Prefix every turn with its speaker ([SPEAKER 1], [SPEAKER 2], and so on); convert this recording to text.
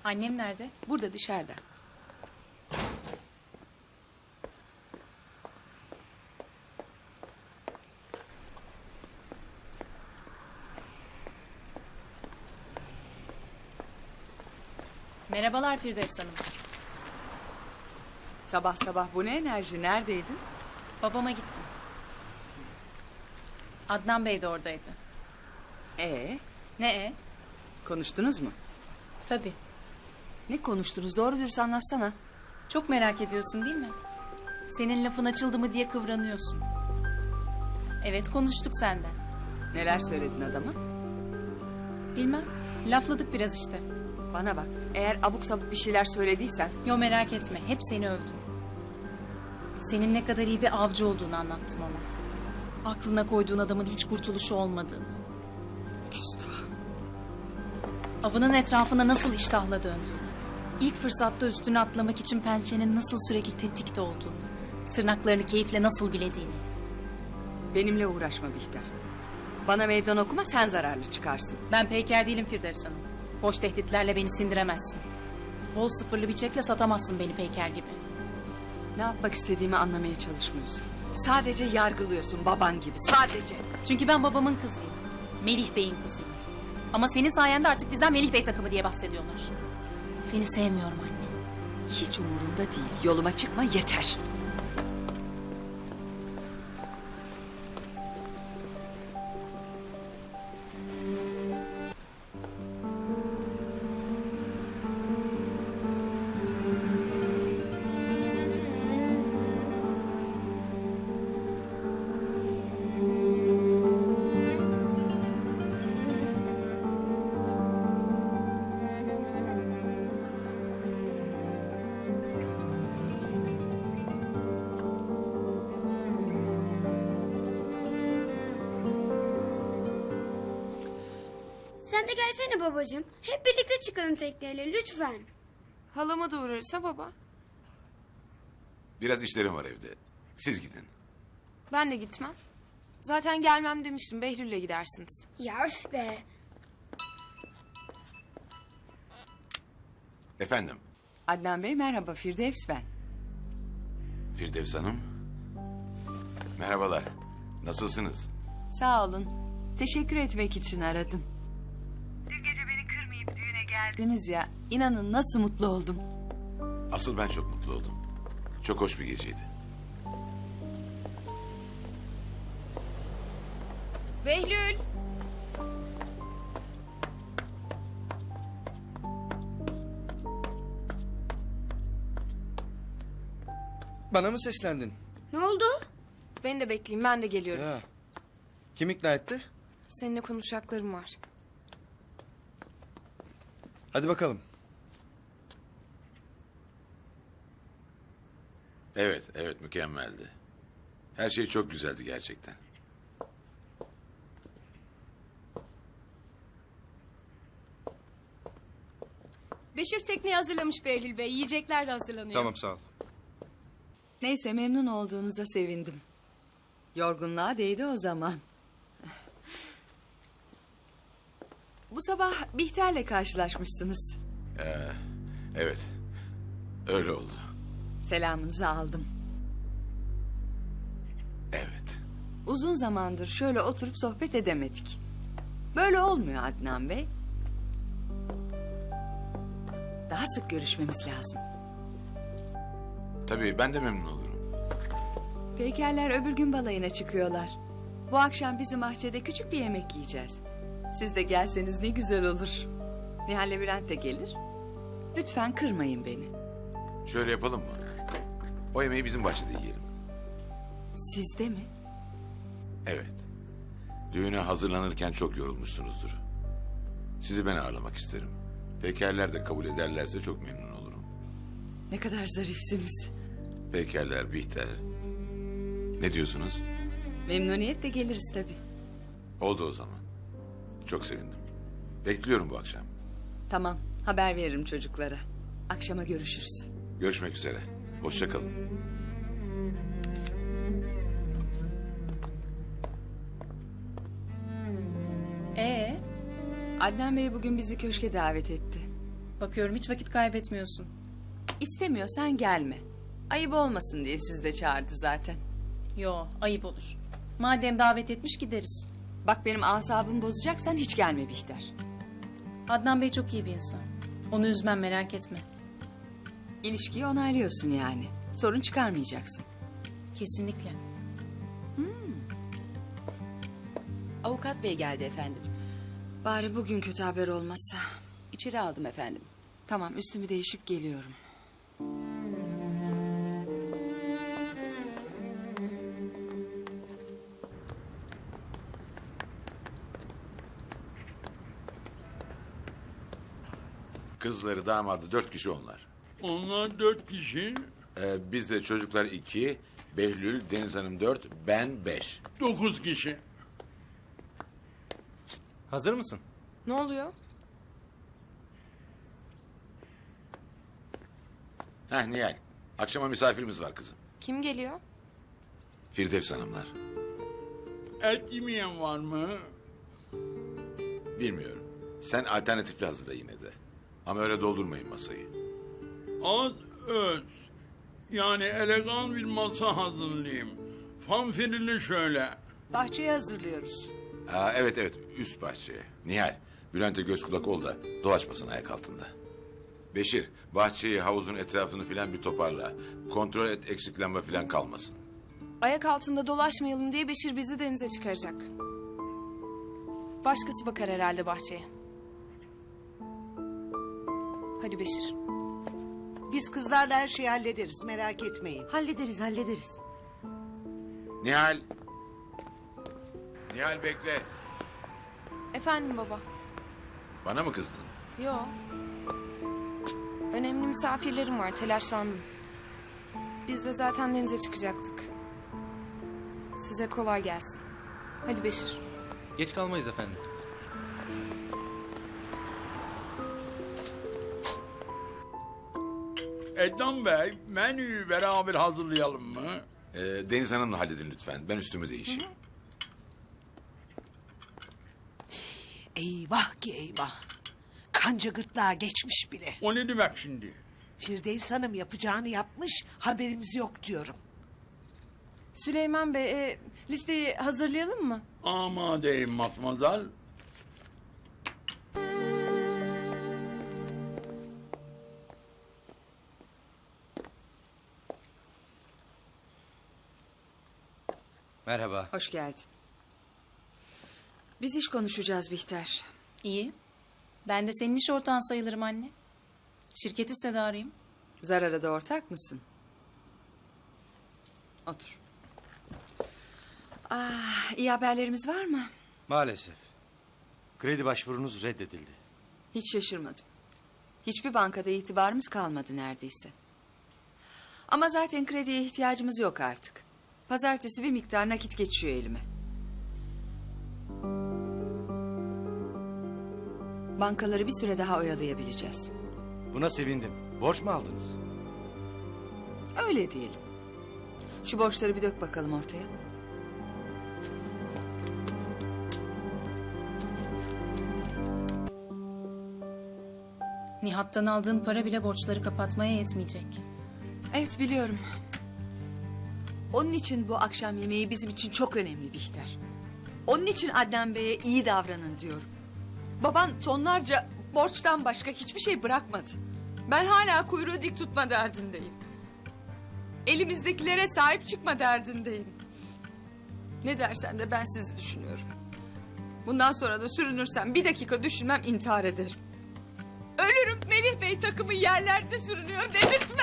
[SPEAKER 1] Annem nerede?
[SPEAKER 2] Burada dışarıda.
[SPEAKER 1] Merhabalar Firdevs Hanım.
[SPEAKER 2] Sabah sabah bu ne enerji? Neredeydin?
[SPEAKER 1] Babama gittim. Adnan Bey de oradaydı. Ne e?
[SPEAKER 2] Konuştunuz mu?
[SPEAKER 1] Tabii.
[SPEAKER 2] Ne konuştunuz? Doğru dürüst anlatsana.
[SPEAKER 1] Çok merak ediyorsun değil mi? Senin lafın açıldı mı diye kıvranıyorsun. Evet konuştuk senden.
[SPEAKER 2] Neler söyledin adama?
[SPEAKER 1] Bilmem. Lafladık biraz işte.
[SPEAKER 2] Bana bak. Eğer abuk sabuk bir şeyler söylediysen...
[SPEAKER 1] Yo merak etme. Hep seni övdüm. Senin ne kadar iyi bir avcı olduğunu anlattım ona. Aklına koyduğun adamın hiç kurtuluşu olmadığını.
[SPEAKER 2] Küstah.
[SPEAKER 1] Avının etrafına nasıl iştahla döndüğünü. İlk fırsatta üstüne atlamak için pençenin nasıl sürekli tetikte olduğunu. Tırnaklarını keyifle nasıl bilediğini.
[SPEAKER 2] Benimle uğraşma Bihter. Bana meydan okuma, sen zararlı çıkarsın.
[SPEAKER 1] Ben peyker değilim Firdevs Hanım. Boş tehditlerle beni sindiremezsin. Bol sıfırlı bir çekle satamazsın beni peyker gibi.
[SPEAKER 2] Ne yapmak istediğimi anlamaya çalışmıyorsun. Sadece yargılıyorsun baban gibi, sadece.
[SPEAKER 1] Çünkü ben babamın kızıyım. Melih Bey'in kızıyım. Ama senin sayende artık bizden Melih Bey takımı diye bahsediyorlar. Seni sevmiyorum anne.
[SPEAKER 2] Hiç umurumda değil. Yoluma çıkma yeter.
[SPEAKER 3] Sen de gelsene babacığım. Hep birlikte çıkalım tekneyle lütfen.
[SPEAKER 4] Halama da uğrarsa baba.
[SPEAKER 5] Biraz işlerim var evde. Siz gidin.
[SPEAKER 4] Ben de gitmem. Zaten gelmem demiştim. Behlül'le gidersiniz.
[SPEAKER 3] Ya üf be.
[SPEAKER 5] Efendim,
[SPEAKER 2] Adnan Bey merhaba, Firdevs ben.
[SPEAKER 5] Firdevs Hanım. Merhabalar. Nasılsınız?
[SPEAKER 2] Sağ olun. Teşekkür etmek için aradım. Dün gece beni kırmayıp düğüne geldiniz ya. İnanın nasıl mutlu oldum.
[SPEAKER 5] Asıl ben çok mutlu oldum. Çok hoş bir geceydi.
[SPEAKER 4] Behlül!
[SPEAKER 6] Bana mı seslendin?
[SPEAKER 3] Ne oldu?
[SPEAKER 4] Beni de bekleyin, ben de geliyorum.
[SPEAKER 6] Ya. Kim ikna etti?
[SPEAKER 4] Seninle konuşacaklarım var.
[SPEAKER 6] Hadi bakalım.
[SPEAKER 5] Evet mükemmeldi. Her şey çok güzeldi gerçekten.
[SPEAKER 7] Beşir tekneyi hazırlamış Behlül Bey. Yiyecekler de hazırlanıyor.
[SPEAKER 6] Tamam sağ ol.
[SPEAKER 2] Neyse memnun olduğunuza sevindim. Yorgunluğa değdi o zaman. Bu sabah Bihter'le karşılaşmışsınız.
[SPEAKER 5] Evet. Öyle oldu.
[SPEAKER 2] Selamınızı aldım.
[SPEAKER 5] Evet.
[SPEAKER 2] Uzun zamandır şöyle oturup sohbet edemedik. Böyle olmuyor Adnan Bey. Daha sık görüşmemiz lazım.
[SPEAKER 5] Tabii ben de memnun olurum.
[SPEAKER 2] Peykerler öbür gün balayına çıkıyorlar. Bu akşam bizim bahçede küçük bir yemek yiyeceğiz. Siz de gelseniz ne güzel olur. Nihal'le Bülent de gelir. Lütfen kırmayın beni.
[SPEAKER 5] Şöyle yapalım mı? O yemeği bizim bahçede yiyelim.
[SPEAKER 2] Sizde mi?
[SPEAKER 5] Evet. Düğüne hazırlanırken çok yorulmuşsunuzdur. Sizi ben ağırlamak isterim. Pekerler de kabul ederlerse çok memnun olurum.
[SPEAKER 2] Ne kadar zarifsiniz.
[SPEAKER 5] Pekerler, Bihter. Ne diyorsunuz?
[SPEAKER 2] Memnuniyetle geliriz tabii.
[SPEAKER 5] Oldu o zaman. Çok sevindim. Bekliyorum bu akşam.
[SPEAKER 2] Tamam, haber veririm çocuklara. Akşama görüşürüz.
[SPEAKER 5] Görüşmek üzere. Hoşça kalın.
[SPEAKER 1] Ee,
[SPEAKER 2] Adnan Bey bugün bizi köşke davet etti.
[SPEAKER 1] Bakıyorum hiç vakit kaybetmiyorsun.
[SPEAKER 2] İstemiyorsan gelme. Ayıp olmasın diye sizi de çağırdı zaten.
[SPEAKER 1] Yo, ayıp olur. Madem davet etmiş gideriz.
[SPEAKER 2] Bak benim asabımı bozacaksan hiç gelme Bihter.
[SPEAKER 1] Adnan Bey çok iyi bir insan. Onu üzmem, merak etme.
[SPEAKER 2] İlişkiyi onaylıyorsun yani. Sorun çıkarmayacaksın.
[SPEAKER 1] Kesinlikle.
[SPEAKER 8] Avukat bey geldi efendim.
[SPEAKER 2] Bari bugün kötü haber olmazsa.
[SPEAKER 8] İçeri aldım efendim.
[SPEAKER 2] Tamam, üstümü değişip geliyorum.
[SPEAKER 5] Kızları, damadı 4 kişi onlar.
[SPEAKER 9] Onlar 4 kişi,
[SPEAKER 5] Biz de çocuklar 2, Behlül, Deniz Hanım 4, ben 5.
[SPEAKER 9] 9 kişi.
[SPEAKER 6] Hazır mısın?
[SPEAKER 4] Ne oluyor?
[SPEAKER 5] Heh Nihal, akşama misafirimiz var kızım.
[SPEAKER 4] Kim geliyor?
[SPEAKER 5] Firdevs Hanımlar.
[SPEAKER 9] Et yemeyen var mı?
[SPEAKER 5] Bilmiyorum. Sen alternatifli hazırla yine de. Ama öyle doldurmayın masayı.
[SPEAKER 9] Az öz. Yani elegan bir masa hazırlayayım. Fanfirili şöyle.
[SPEAKER 10] Bahçeyi hazırlıyoruz.
[SPEAKER 5] Evet, üst bahçeye. Nihal, Bülent'e göz kulak ol da dolaşmasın ayak altında. Beşir, bahçeyi, havuzun etrafını filan bir toparla. Kontrol et, eksiklenme filan kalmasın.
[SPEAKER 4] Ayak altında dolaşmayalım diye Beşir bizi denize çıkaracak. Başkası bakar herhalde bahçeye. Hadi Beşir.
[SPEAKER 10] Biz kızlarla her şeyi hallederiz, merak etmeyin.
[SPEAKER 8] Hallederiz.
[SPEAKER 5] Nihal! Nihal bekle.
[SPEAKER 4] Efendim baba.
[SPEAKER 5] Bana mı kızdın?
[SPEAKER 4] Yo. Önemli misafirlerim var, telaşlandım. Biz de zaten denize çıkacaktık. Size kolay gelsin. Hadi Beşir.
[SPEAKER 6] Geç kalmayız efendim.
[SPEAKER 9] Ednan Bey, menüyü beraber hazırlayalım mı?
[SPEAKER 5] Deniz Hanım'la halledin lütfen. Ben üstümü değişeyim.
[SPEAKER 10] Eyvah ki eyvah. Kanca gırtlağa geçmiş bile.
[SPEAKER 9] O ne demek şimdi?
[SPEAKER 10] Firdevs Hanım yapacağını yapmış, haberimiz yok diyorum.
[SPEAKER 4] Süleyman Bey, listeyi hazırlayalım mı?
[SPEAKER 9] Amadeyim matmazel.
[SPEAKER 6] Merhaba.
[SPEAKER 2] Hoş geldin. Biz iş konuşacağız Bihter.
[SPEAKER 1] İyi. Ben de senin iş ortağın sayılırım anne. Şirketi sedarıyım.
[SPEAKER 2] Zarar'a da ortak mısın? Otur. İyi haberlerimiz var mı?
[SPEAKER 6] Maalesef. Kredi başvurunuz reddedildi.
[SPEAKER 2] Hiç şaşırmadım. Hiçbir bankada itibarımız kalmadı neredeyse. Ama zaten krediye ihtiyacımız yok artık. Pazartesi bir miktar nakit geçiyor elime. Bankaları bir süre daha oyalayabileceğiz.
[SPEAKER 6] Buna sevindim. Borç mu aldınız?
[SPEAKER 2] Öyle diyelim. Şu borçları bir dök bakalım ortaya.
[SPEAKER 1] Nihat'tan aldığın para bile borçları kapatmaya yetmeyecek.
[SPEAKER 2] Evet biliyorum. Onun için bu akşam yemeği bizim için çok önemli Bihter. Onun için Adnan Bey'e iyi davranın diyorum. Baban tonlarca borçtan başka hiçbir şey bırakmadı. Ben hala kuyruğu dik tutma derdindeyim. Elimizdekilere sahip çıkma derdindeyim. Ne dersen de ben sizi düşünüyorum. Bundan sonra da sürünürsem bir dakika düşünmem, intihar ederim. Ölürüm, Melih Bey takımı yerlerde sürünüyor dedirtmem.